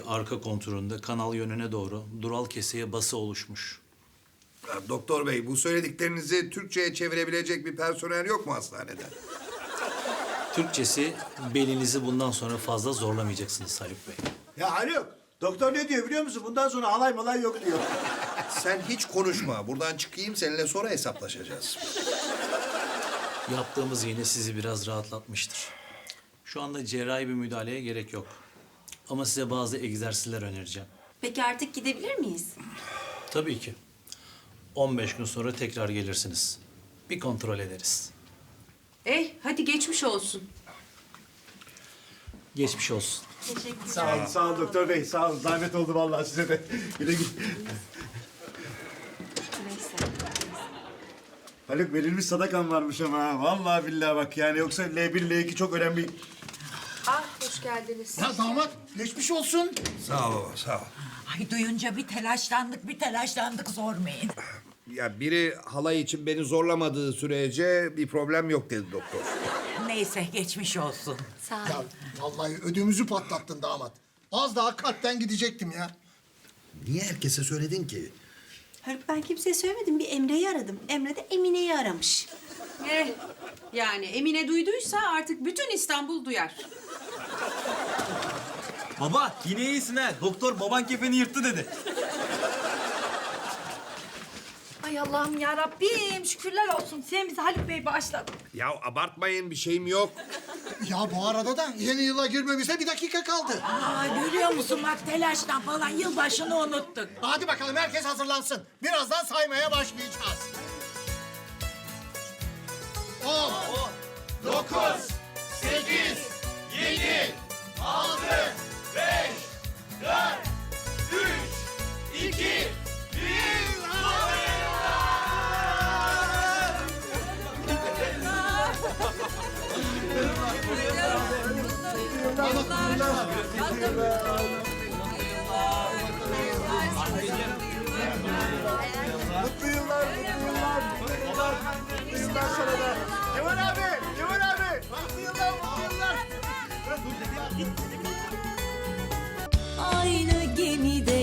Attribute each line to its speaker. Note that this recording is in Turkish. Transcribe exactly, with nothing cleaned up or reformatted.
Speaker 1: arka konturunda kanal yönüne doğru dural keseye bası oluşmuş.
Speaker 2: Ya, doktor bey, bu söylediklerinizi Türkçe'ye çevirebilecek bir personel yok mu hastanede?
Speaker 1: Türkçesi belinizi bundan sonra fazla zorlamayacaksınız Haluk Bey.
Speaker 3: Ya Haluk, doktor ne diyor biliyor musun? Bundan sonra halay malay yok diyor.
Speaker 2: Sen hiç konuşma. Buradan çıkayım, seninle sonra hesaplaşacağız.
Speaker 1: Yaptığımız iğne sizi biraz rahatlatmıştır. Şu anda cerrahi bir müdahaleye gerek yok. Ama size bazı egzersizler önereceğim.
Speaker 4: Peki artık gidebilir miyiz?
Speaker 1: Tabii ki. on beş gün sonra tekrar gelirsiniz. Bir kontrol ederiz.
Speaker 5: Eh, hadi geçmiş olsun.
Speaker 1: Geçmiş olsun.
Speaker 4: Teşekkürler.
Speaker 3: Sağ olun, sağ olun doktor bey. Sağ olun. Zahmet oldu vallahi size de. Güle güle.
Speaker 4: Neyse.
Speaker 3: Haluk verilmiş sadakan varmış ama ha. Vallahi billahi bak yani yoksa L bir L iki çok önemli.
Speaker 5: Ah, hoş geldiniz.
Speaker 6: Ya damat geçmiş olsun.
Speaker 2: Sağ ol baba, sağ ol.
Speaker 7: Ay duyunca bir telaşlandık, bir telaşlandık sormayın.
Speaker 2: Ya biri halay için beni zorlamadığı sürece bir problem yok dedi doktor.
Speaker 7: Neyse geçmiş olsun.
Speaker 4: Sağ ol.
Speaker 6: Ya vallahi ödümüzü patlattın damat. Az daha kalpten gidecektim ya.
Speaker 2: Niye herkese söyledin ki?
Speaker 4: Haluk ben kimseye söylemedim. Bir Emre'yi aradım. Emre de Emine'yi aramış.
Speaker 5: Eh, yani Emine duyduysa artık bütün İstanbul duyar.
Speaker 8: Baba yine iyisin ha. Doktor baban kefeni yırttı dedi.
Speaker 9: Ay Allah'ım ya Rabbim şükürler olsun. Sen bizi Haluk Bey bağışladın.
Speaker 2: Ya abartmayın, bir şeyim yok.
Speaker 6: Ya bu arada da yeni yıla girmemize bir dakika kaldı.
Speaker 7: Aa görüyor musun bak telaştan falan yılbaşını unuttuk.
Speaker 6: Hadi bakalım herkes hazırlansın. Birazdan saymaya başlayacağız. On, dokuz, sekiz, yedi, altı, beş, dört, üç, iki, bir.
Speaker 3: Mutlu yıllar, mutlu yıllar. Mutlu yıllar sana da. Cemal abi, Cemal abi. Mutlu yıllar, mutlu yıllar.
Speaker 10: Aynı gemide